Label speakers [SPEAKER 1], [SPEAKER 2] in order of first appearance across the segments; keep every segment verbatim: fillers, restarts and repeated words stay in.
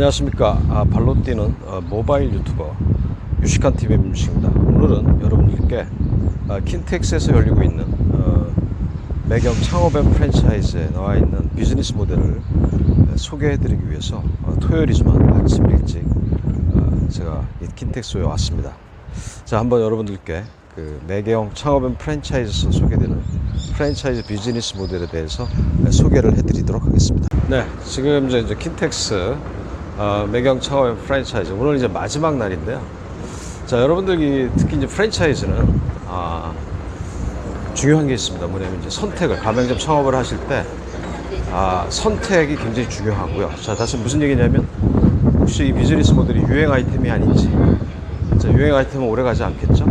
[SPEAKER 1] 안녕하십니까. 아, 발로 뛰는 어, 모바일 유튜버 유식한 티비의 민식입니다. 오늘은 여러분들께 아, 킨텍스에서 열리고 있는 어, 매경 창업 앤 프랜차이즈에 나와 있는 비즈니스 모델을 소개해 드리기 위해서 어, 토요일이지만 아침 일찍 어, 제가 이 킨텍스에 왔습니다. 자, 한번 여러분들께 그 매경 창업 앤 프랜차이즈에서 소개되는 프랜차이즈 비즈니스 모델에 대해서 소개를 해 드리도록 하겠습니다. 네, 지금 이제, 이제 킨텍스 어, 매경 창업 앤 프랜차이즈 오늘 이제 마지막 날인데요. 자, 여러분들이 특히 이제 프랜차이즈는 아, 중요한 게 있습니다. 뭐냐면 이제 선택을 가맹점 창업을 하실 때 아, 선택이 굉장히 중요하고요. 자, 다시 무슨 얘기냐면 혹시 이 비즈니스 모델이 유행 아이템이 아닌지, 자, 유행 아이템은 오래 가지 않겠죠.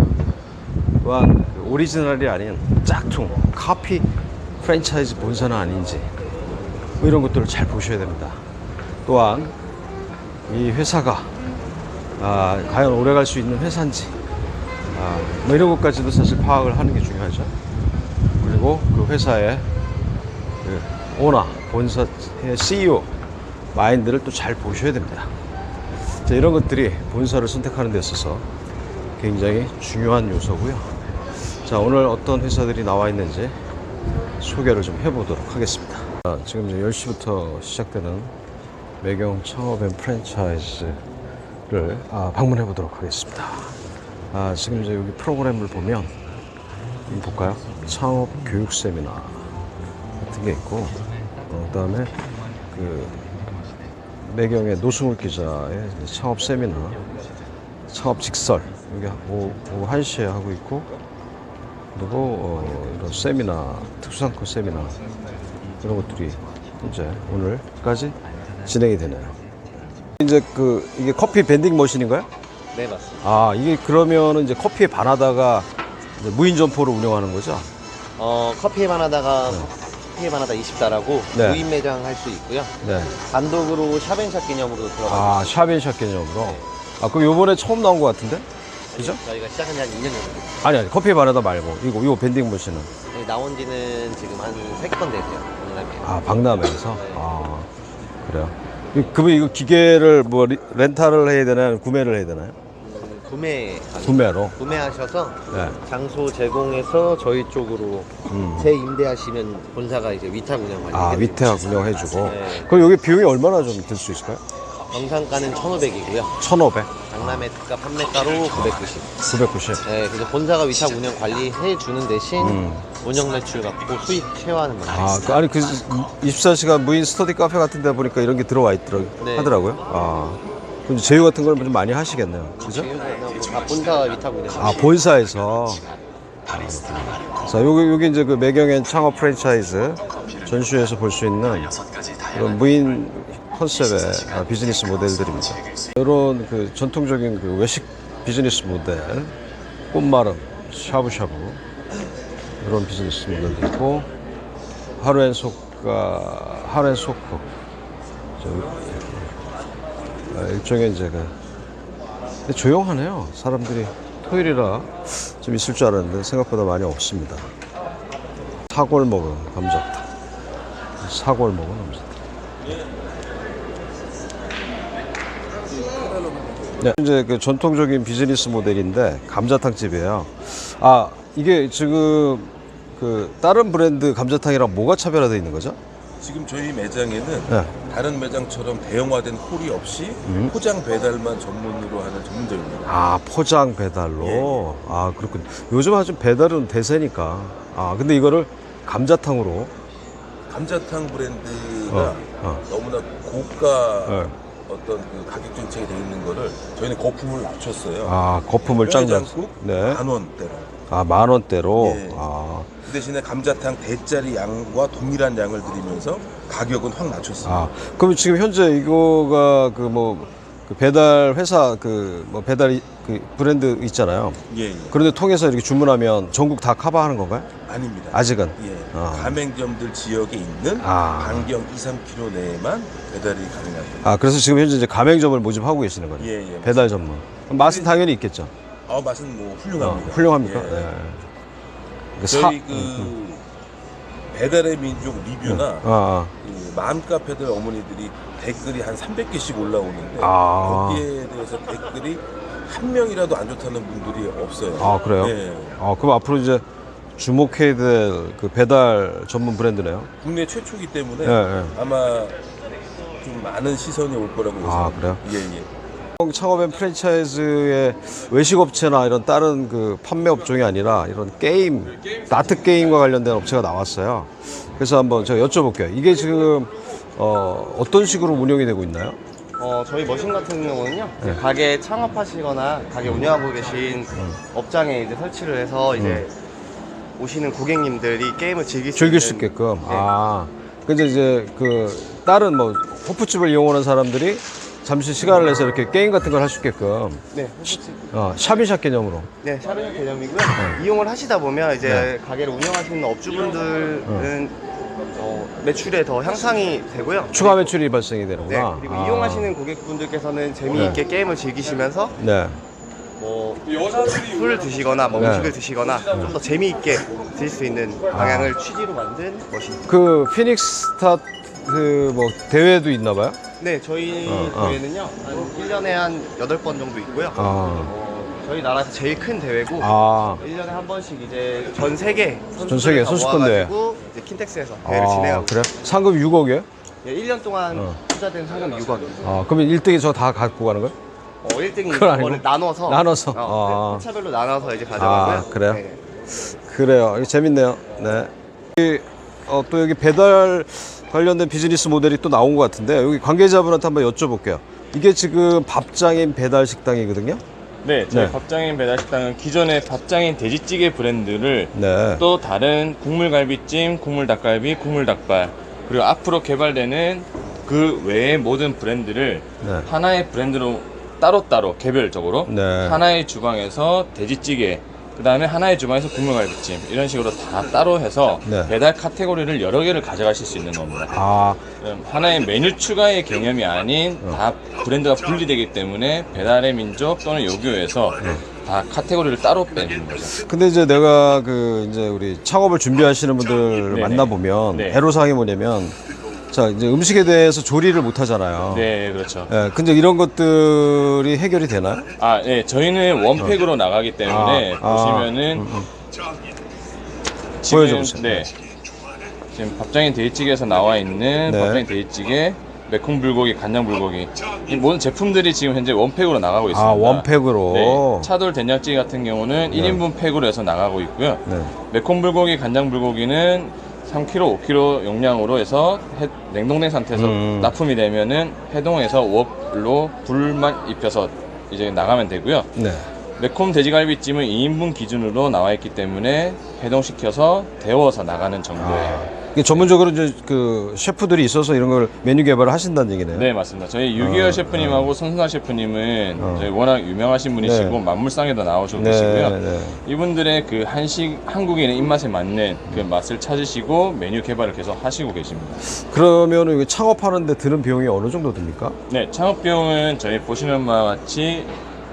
[SPEAKER 1] 또한 그 오리지널이 아닌 짝퉁 카피 프랜차이즈 본사는 아닌지 뭐 이런 것들을 잘 보셔야 됩니다. 또한 이 회사가 아, 과연 오래 갈 수 있는 회사인지 아, 뭐 이런 것까지도 사실 파악을 하는 게 중요하죠. 그리고 그 회사의 그 오너, 본사의 씨이오 마인드를 또 잘 보셔야 됩니다. 자, 이런 것들이 본사를 선택하는 데 있어서 굉장히 중요한 요소고요. 자, 오늘 어떤 회사들이 나와 있는지 소개를 좀 해보도록 하겠습니다. 자, 지금 이제 열 시부터 시작되는 매경 창업 앤 프랜차이즈를 아, 방문해 보도록 하겠습니다. 아, 지금 이제 여기 프로그램을 보면 볼까요? 창업 교육 세미나 같은 게 있고, 어, 그 다음에 그 매경의 노승울 기자의 창업 세미나, 창업 직설 여기 오후, 오후 한 시에 하고 있고, 그리고 어, 이런 세미나, 특수상권 세미나 이런 것들이 이제 오늘까지 진행이 되네요. 이제 그 이게 커피 밴딩 머신인가요?
[SPEAKER 2] 네, 맞습니다.
[SPEAKER 1] 아, 이게 그러면은 이제 커피에 반하다가 이제 무인 점포를 운영하는 거죠?
[SPEAKER 2] 어, 커피에만 하다가 커피에만 하다 이십 달하고
[SPEAKER 1] 네.
[SPEAKER 2] 무인 매장 할 수 있고요.
[SPEAKER 1] 네.
[SPEAKER 2] 단독으로 샵앤샵 개념으로 들어가고
[SPEAKER 1] 아, 샵앤샵 개념으로. 아, 그럼 요번에 처음 나온 것 같은데? 그죠?
[SPEAKER 2] 저희가 시작한 지 한 이 년 정도 됐어요.
[SPEAKER 1] 아니, 아니, 커피에 반하다 말고 이거 이거 밴딩 머신은.
[SPEAKER 2] 네, 나온 지는 지금 한 세 건 되세요. 오늘
[SPEAKER 1] 아, 박람회에서. 아, 그래요. 이- 그러면 이거 기계를 뭐 리- 렌탈을 해야 되나요? 구매를 해야 되나요?
[SPEAKER 2] 음, 구매
[SPEAKER 1] 구매로.
[SPEAKER 2] 구매하셔서
[SPEAKER 1] 네.
[SPEAKER 2] 장소 제공해서 저희 쪽으로
[SPEAKER 1] 음.
[SPEAKER 2] 재임대하시면 본사가 이제 위탁 운영 관리.
[SPEAKER 1] 아, 위탁 운영해주고.
[SPEAKER 2] 네.
[SPEAKER 1] 그럼 여기 비용이 얼마나 좀 들 수 있을까요?
[SPEAKER 2] 정상가는 천오백이고요.
[SPEAKER 1] 천오백.
[SPEAKER 2] 박람회 특가 판매가로 구백구십.
[SPEAKER 1] 구백구십.
[SPEAKER 2] 네, 그래서 본사가 위탁 운영 관리해 주는 대신
[SPEAKER 1] 음.
[SPEAKER 2] 운영 매출 갖고 수익 쉐어하는 방식.
[SPEAKER 1] 아, 그, 아니 그 이십사 시간 무인 스터디 카페 같은 데 보니까 이런 게 들어와 있더라
[SPEAKER 2] 네.
[SPEAKER 1] 하더라고요. 아. 그럼 이제 제휴 같은 걸 좀 많이 하시겠네요. 그죠?
[SPEAKER 2] 다 본사 위탁 운영.
[SPEAKER 1] 아, 본사에서. 자, 여기 여기 이제 그 매경엔 창업 프랜차이즈 전시회에서 볼 수 있는 이런 무인 컨셉의 아, 비즈니스 모델들입니다. 이런 그 전통적인 그 외식 비즈니스 모델, 꽃마름, 샤브샤브 이런 비즈니스 모델도 있고, 하루엔 속가, 하루엔 속국, 아, 일종의 이제 그 근데 조용하네요. 사람들이 토요일이라 좀 있을 줄 알았는데 생각보다 많이 없습니다. 사골 먹은 감자탕, 사골 먹은 감자탕. 네, 이제 그 전통적인 비즈니스 모델인데 감자탕 집이에요. 아, 이게 지금 그 다른 브랜드 감자탕이랑 뭐가 차별화되어 있는 거죠?
[SPEAKER 3] 지금 저희 매장에는
[SPEAKER 1] 네.
[SPEAKER 3] 다른 매장처럼 대형화된 홀이 없이
[SPEAKER 1] 음.
[SPEAKER 3] 포장 배달만 전문으로 하는 전문점입니다.
[SPEAKER 1] 아, 포장 배달로.
[SPEAKER 3] 예, 예.
[SPEAKER 1] 아, 그렇군. 요즘 아주 배달은 대세니까. 아, 근데 이거를 감자탕으로.
[SPEAKER 3] 감자탕 브랜드가
[SPEAKER 1] 어, 어.
[SPEAKER 3] 너무나 고가
[SPEAKER 1] 네.
[SPEAKER 3] 어떤 그 가격 정책이 되어 있는 거를 저희는 거품을 낮췄어요.
[SPEAKER 1] 아, 거품을 짱 장.
[SPEAKER 3] 국
[SPEAKER 1] 네.
[SPEAKER 3] 만 원대로.
[SPEAKER 1] 아, 만 원대로.
[SPEAKER 3] 예.
[SPEAKER 1] 아,
[SPEAKER 3] 그 대신에 감자탕 대짜리 양과 동일한 양을 드리면서 가격은 확 낮췄습니다.
[SPEAKER 1] 아, 그럼 지금 현재 이거가 그 뭐 그 배달 회사 그 뭐 배달 이- 그 브랜드 있잖아요.
[SPEAKER 3] 예, 예.
[SPEAKER 1] 그런데 통해서 이렇게 주문하면 전국 다 커버하는 건가요?
[SPEAKER 3] 아닙니다.
[SPEAKER 1] 아직은.
[SPEAKER 3] 예.
[SPEAKER 1] 아.
[SPEAKER 3] 가맹점들 지역에 있는
[SPEAKER 1] 아.
[SPEAKER 3] 반경 이, 삼 킬로미터 내에만 배달이 가능합니다.
[SPEAKER 1] 아, 그래서 지금 현재 이제 가맹점을 모집하고 계시는 거예요.
[SPEAKER 3] 예, 예,
[SPEAKER 1] 배달 전문. 그럼 맛은 당연히 있겠죠.
[SPEAKER 3] 아, 맛은 뭐
[SPEAKER 1] 어,
[SPEAKER 3] 훌륭합니다.
[SPEAKER 1] 훌륭합니까?
[SPEAKER 3] 예.
[SPEAKER 1] 네. 그 사-
[SPEAKER 3] 저희 그
[SPEAKER 1] 음,
[SPEAKER 3] 배달의 민족 리뷰나
[SPEAKER 1] 아, 아.
[SPEAKER 3] 그 맘카페들 어머니들이 댓글이 한 삼백 개씩 올라오는데
[SPEAKER 1] 아.
[SPEAKER 3] 거기에 대해서 댓글이 한 명이라도 안 좋다는 분들이 없어요.
[SPEAKER 1] 아, 그래요?
[SPEAKER 3] 네.
[SPEAKER 1] 아, 그럼 앞으로 이제 주목해야 될 그 배달 전문 브랜드네요.
[SPEAKER 3] 국내 최초이기 때문에
[SPEAKER 1] 예, 예.
[SPEAKER 3] 아마 좀 많은 시선이 올 거라고
[SPEAKER 1] 아,
[SPEAKER 3] 예상합니다.
[SPEAKER 1] 그래요?
[SPEAKER 3] 예, 예.
[SPEAKER 1] 창업앤 프랜차이즈의 외식업체나 이런 다른 그 판매 업종이 아니라 이런 게임, 나트 게임과 관련된 업체가 나왔어요. 그래서 한번 제가 여쭤볼게요. 이게 지금 어, 어떤 식으로 운영이 되고 있나요?
[SPEAKER 2] 어, 저희 머신 같은 경우는요, 이제
[SPEAKER 1] 네.
[SPEAKER 2] 가게 창업하시거나 가게 운영하고 계신 업장에 이제 설치를 해서 이제 오시는 고객님들이 게임을 즐길 수,
[SPEAKER 1] 즐길 수
[SPEAKER 2] 있는
[SPEAKER 1] 있게끔.
[SPEAKER 2] 네.
[SPEAKER 1] 아, 근데 이제 그 다른 뭐 호프집을 이용하는 사람들이 잠시 시간을 내서 이렇게 게임 같은 걸 할 수 있게끔
[SPEAKER 2] 네, 호프집.
[SPEAKER 1] 어, 샵인샵 개념으로.
[SPEAKER 2] 네, 샤르샤 개념이고요. 이용을 하시다 보면 이제
[SPEAKER 1] 네.
[SPEAKER 2] 가게를 운영하시는 업주분들은 어, 매출에 더 향상이 되고요.
[SPEAKER 1] 추가 매출이 발생이
[SPEAKER 2] 네,
[SPEAKER 1] 되는구나.
[SPEAKER 2] 그리고
[SPEAKER 1] 아.
[SPEAKER 2] 이용하시는 고객분들께서는 재미있게 게임을 즐기시면서
[SPEAKER 1] 네.
[SPEAKER 2] 뭐 술을 드시거나 뭐
[SPEAKER 1] 네.
[SPEAKER 2] 음식을 드시거나 좀 더 재미있게 드실 수 있는 방향을 취지로 만든 것입니다.
[SPEAKER 1] 그 피닉스 스타트 뭐 대회도 있나 봐요?
[SPEAKER 2] 네, 저희
[SPEAKER 1] 어, 어.
[SPEAKER 2] 대회는요, 한 일 년에 한 여덟 번 정도 있고요.
[SPEAKER 1] 아.
[SPEAKER 2] 어, 저희 나라에서 제일 큰 대회고,
[SPEAKER 1] 아.
[SPEAKER 2] 일 년에 한 번씩 이제 전 세계
[SPEAKER 1] 전 세계 선수권 대회.
[SPEAKER 2] 모아가지고 이제 킨텍스에서 대회를
[SPEAKER 1] 아,
[SPEAKER 2] 진행하고
[SPEAKER 1] 그래? 상금 육억이에요?
[SPEAKER 2] 예, 일 년 동안
[SPEAKER 1] 어.
[SPEAKER 2] 투자된 상금 육억입니다.
[SPEAKER 1] 아, 그러면 일 등이 저 다 갖고 가는 거예요?
[SPEAKER 2] 어, 일 등이
[SPEAKER 1] 그건 아니고?
[SPEAKER 2] 이거를 나눠서
[SPEAKER 1] 나눠서?
[SPEAKER 2] 어,
[SPEAKER 1] 아.
[SPEAKER 2] 회차별로 나눠서 이제 가져가고요.
[SPEAKER 1] 아, 그래요?
[SPEAKER 2] 네.
[SPEAKER 1] 그래요. 이거 재밌네요. 네. 이, 어, 또 여기 배달 관련된 비즈니스 모델이 또 나온 것 같은데 여기 관계자분한테 한번 여쭤볼게요. 이게 지금 밥장인 배달 식당이거든요.
[SPEAKER 4] 네, 저희
[SPEAKER 1] 네.
[SPEAKER 4] 밥장인 배달식당은 기존의 밥장인 돼지찌개 브랜드를
[SPEAKER 1] 네.
[SPEAKER 4] 또 다른 국물갈비찜, 국물닭갈비, 국물닭발 그리고 앞으로 개발되는 그 외의 모든 브랜드를
[SPEAKER 1] 네.
[SPEAKER 4] 하나의 브랜드로 따로따로 개별적으로
[SPEAKER 1] 네.
[SPEAKER 4] 하나의 주방에서 돼지찌개 그 다음에 하나의 주방에서 국물갈비찜 이런 식으로 다 따로 해서
[SPEAKER 1] 네.
[SPEAKER 4] 배달 카테고리를 여러 개를 가져가실 수 있는 겁니다.
[SPEAKER 1] 아,
[SPEAKER 4] 음, 하나의 메뉴 추가의 개념이 아닌 다 브랜드가 분리되기 때문에 배달의 민족 또는 요교에서 다 카테고리를 따로 빼는 거죠.
[SPEAKER 1] 근데 이제 내가 그 이제 우리 창업을 준비하시는 분들
[SPEAKER 4] 네네.
[SPEAKER 1] 만나보면
[SPEAKER 4] 네.
[SPEAKER 1] 애로사항이 뭐냐면 자, 이제 음식에 대해서 조리를 못 하잖아요.
[SPEAKER 4] 네, 그렇죠.
[SPEAKER 1] 예, 근데 이런 것들이 해결이 되나요?
[SPEAKER 4] 아, 네, 저희는 원팩으로 나가기 때문에
[SPEAKER 1] 아, 아,
[SPEAKER 4] 보시면은
[SPEAKER 1] 음, 음.
[SPEAKER 4] 지금
[SPEAKER 1] 보여줘보세요.
[SPEAKER 4] 네, 지금 밥장인 돼지찌개에서 나와 있는
[SPEAKER 1] 네.
[SPEAKER 4] 밥장인 돼지찌개, 매콤 불고기, 간장 불고기 이 모든 제품들이 지금 현재 원팩으로 나가고 있습니다.
[SPEAKER 1] 아, 원팩으로.
[SPEAKER 4] 네, 차돌 된장찌개 같은 경우는 일 인분 팩으로 해서 나가고 있고요.
[SPEAKER 1] 네.
[SPEAKER 4] 매콤 불고기, 간장 불고기는 삼 킬로그램, 오 킬로그램 용량으로 해서 해- 냉동된 상태에서
[SPEAKER 1] 음.
[SPEAKER 4] 납품이 되면은 해동해서 웍로 불만 입혀서 이제 나가면 되고요.
[SPEAKER 1] 네.
[SPEAKER 4] 매콤 돼지갈비찜은 이 인분 기준으로 나와 있기 때문에 해동시켜서 데워서 나가는 정도예요.
[SPEAKER 1] 이게 전문적으로 이제 그 셰프들이 있어서 이런 걸 메뉴 개발을 하신다는 얘기네요.
[SPEAKER 4] 네, 맞습니다. 저희 유기열
[SPEAKER 1] 어,
[SPEAKER 4] 셰프님하고 손순아 셰프님은
[SPEAKER 1] 어.
[SPEAKER 4] 저희 워낙 유명하신 분이시고
[SPEAKER 1] 네.
[SPEAKER 4] 만물상에도 나오시고
[SPEAKER 1] 네,
[SPEAKER 4] 계시고요.
[SPEAKER 1] 네.
[SPEAKER 4] 이분들의 그 한식 한국인의 입맛에 맞는 그 맛을 찾으시고 메뉴 개발을 계속 하시고 계십니다.
[SPEAKER 1] 그러면 이거 창업하는데 드는 비용이 어느 정도 듭니까?
[SPEAKER 4] 네, 창업 비용은 저희 보시는 바와 같이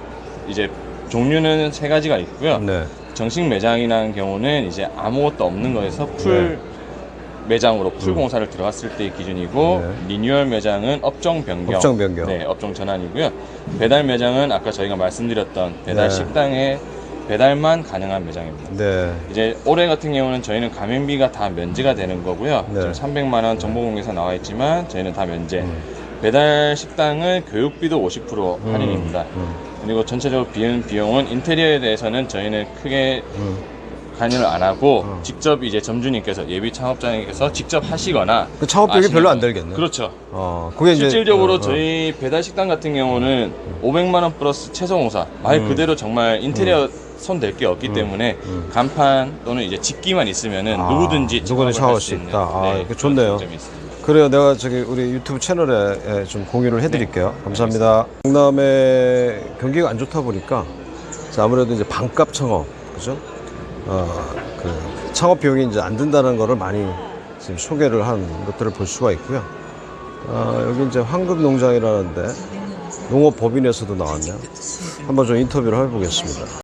[SPEAKER 4] 이제 종류는 세 가지가 있고요.
[SPEAKER 1] 네.
[SPEAKER 4] 정식 매장이라는 경우는 이제 아무것도 없는 거에서 풀 매장으로 풀 공사를 들어갔을 때의 기준이고
[SPEAKER 1] 네.
[SPEAKER 4] 리뉴얼 매장은 업종 변경,
[SPEAKER 1] 업종 변경.
[SPEAKER 4] 네, 업종 전환이고요. 배달 매장은 아까 저희가 말씀드렸던 배달
[SPEAKER 1] 네.
[SPEAKER 4] 식당에 배달만 가능한 매장입니다.
[SPEAKER 1] 네.
[SPEAKER 4] 이제 올해 같은 경우는 저희는 가맹비가 다 면제가 되는 거고요.
[SPEAKER 1] 네.
[SPEAKER 4] 지금 삼백만 원 정보공개에서 나와 있지만 저희는 다 면제.
[SPEAKER 1] 음.
[SPEAKER 4] 배달 식당은 교육비도 오십 퍼센트
[SPEAKER 1] 음.
[SPEAKER 4] 할인입니다.
[SPEAKER 1] 음.
[SPEAKER 4] 그리고 전체적으로 비용 비용은 인테리어에 대해서는 저희는 크게
[SPEAKER 1] 음.
[SPEAKER 4] 관여를 안 하고
[SPEAKER 1] 어.
[SPEAKER 4] 직접 이제 점주님께서 예비 창업자님께서 직접 하시거나
[SPEAKER 1] 그 창업 비용이
[SPEAKER 4] 아시는
[SPEAKER 1] 별로 안
[SPEAKER 4] 분.
[SPEAKER 1] 들겠네.
[SPEAKER 4] 그렇죠.
[SPEAKER 1] 어, 그게 이제
[SPEAKER 4] 실질적으로
[SPEAKER 1] 어, 어.
[SPEAKER 4] 저희 배달 식당 같은 경우는 오백만 원 플러스 채소 공사 말
[SPEAKER 1] 음.
[SPEAKER 4] 그대로 정말 인테리어 손 댈 게 없기 때문에
[SPEAKER 1] 음.
[SPEAKER 4] 간판 또는 이제 집기만 있으면은
[SPEAKER 1] 아,
[SPEAKER 4] 누구든지
[SPEAKER 1] 누구든지
[SPEAKER 4] 창업을
[SPEAKER 1] 창업할
[SPEAKER 4] 할
[SPEAKER 1] 수
[SPEAKER 4] 수 있는
[SPEAKER 1] 있다. 아,
[SPEAKER 4] 네,
[SPEAKER 1] 이거 좋네요.
[SPEAKER 4] 그런 장점이 있습니다.
[SPEAKER 1] 그래요. 내가 저기 우리 유튜브 채널에 예, 좀 공유를 해드릴게요. 감사합니다. 경남에 경기가 안 좋다 보니까 자, 아무래도 이제 반값 창업, 그죠? 어, 그 창업 비용이 이제 안 든다는 거를 많이 지금 소개를 한 것들을 볼 수가 있고요. 어, 여기 이제 황금농장이라는데 농업법인에서도 나왔네요. 한번 좀 인터뷰를 해보겠습니다.